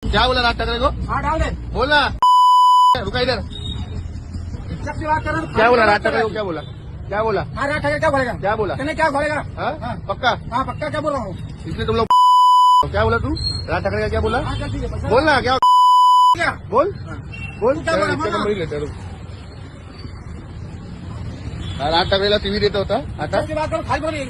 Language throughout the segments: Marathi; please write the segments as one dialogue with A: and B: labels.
A: क्या बोला राज ठाकरे को?
B: हाँ डाल दे।
A: बोल ना, रुका इधर।
B: सबसे बात कर रहा हूँ।
A: क्या बोला राज ठाकरे को? क्या बोला? क्या बोला?
B: हाँ राज ठाकरे क्या बोलेगा?
A: क्या बोला?
B: कहने क्या बोलेगा?
A: हाँ? पक्का?
B: हाँ पक्का क्या बोल रहा हूँ?
A: इसलिए तुम लोग क्या बोला तू? राज ठाकरे का क्या बोला?
B: हाँ चल ठीक है।
A: बोल ना, क्या
B: क्या?
A: बोल बोल.
B: क्या बोला?
A: इतक्या नंबर लेटर. राज ठाकरेला टीव्ही देत होता आता
B: सबसे बात करो खाली बोलिए।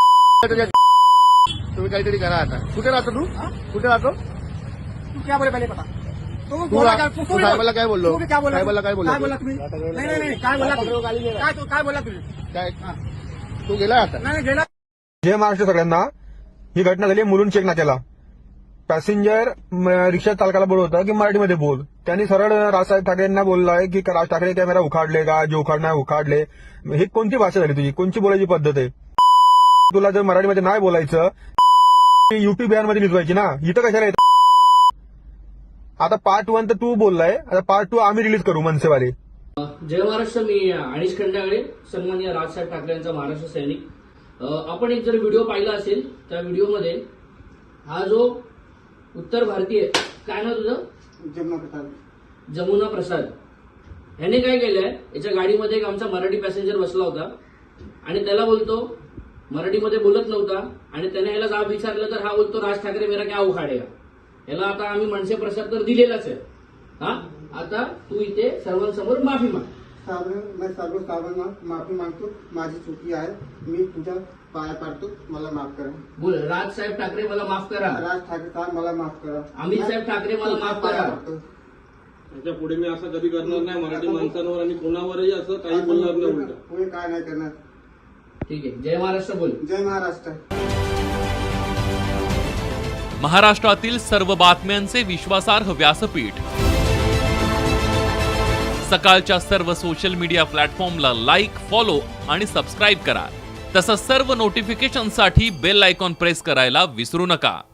A: तुम्ही काहीतरी करा आता. कुठे राहतो तू? कुठे राहतो?
B: तू क्या बोले पहले बता। तू
A: तू
B: बोला क्या?
A: तू साहेबाला काय बोललो?
B: तू क्या बोला?
A: साहेबाला काय बोललो?
B: काय बोला तुम्ही? नाही काय बोला तुम्ही? काय बोला तुम्ही?
A: काय तू गेला आता?
B: नाही गेला.
C: जय महाराष्ट्र सगळ्यांना. ही घटना झाली मुलुंड चेक नाक्याला. पॅसेंजर रिक्षा चालकाला बोलत होता की मराठीमध्ये बोल. त्यांनी सरळ राजसाहेब ठाकरेंना बोललाय की राज ठाकरे कॅमेरा उखाडले का? जे उखाडणार उखाडले. ही कोणती भाषा झाली तुझी? कोणची बोलायची पद्धत आहे? तुला जर मराठीमध्ये नाही बोलायचं युपी बिहारमध्ये निजवायची ना. इथं कशाला येतं? आता पार्ट 1 तर तू बोललाय, आता पार्ट 2 आम्ही रिलीज करू मनसेवाले.
D: जय महाराष्ट्र. मी अनिश खंडागळे, सन्माननीय राजसाहेब ठाकरे यांचा महाराष्ट्र सैनिक. आपण एक जर व्हिडिओ पाहिला असेल त्या व्हिडिओमध्ये हा जो उत्तर भारतीय काय ना तुझं जमुना प्रसाद ह्याने काय केलंय, याच्या गाडीमध्ये एक आमचा मराठी पॅसेंजर बसला होता आणि त्याला बोलतो, मराठीमध्ये बोलत नव्हता आणि त्याने ह्याला जाब विचारलं तर हा बोलतो राज ठाकरे मेरा क्या उखाडेगा. याला आता आम्ही मनसे प्रसाद तर दिलेलाच आहे. हा आता तू इथे सर्वांसमोर माफी माग.
E: मैं सर्व साधांना माफी मागतो. माझी चुकी आहे. मी तुझ्या पाया पडतो. मला माफ करा.
D: बोल, राजसाहेब ठाकरे मला माफ करा.
E: राज ठाकरे साहेब मला माफ करा.
D: अमित साहेब ठाकरे मला माफ करा.
F: त्याच्या पुढे मी असं कधी करणार नाही. मराठी माणसांवर आणि कोणावरही असं काही बोलणार नाही. उलट
E: पुढे काय नाही करणार.
D: ठीक आहे. जय महाराष्ट्र बोल.
E: जय महाराष्ट्र.
G: महाराष्ट्रातील सर्व बातम्यांचे विश्वासार्ह व्यासपीठ. सकाळच्या सर्व सोशल मीडिया प्लॅटफॉर्मला लाईक, फॉलो आणि सबस्क्राईब करा. तसंच सर्व नोटिफिकेशनसाठी बेल आयकॉन प्रेस करायला विसरू नका.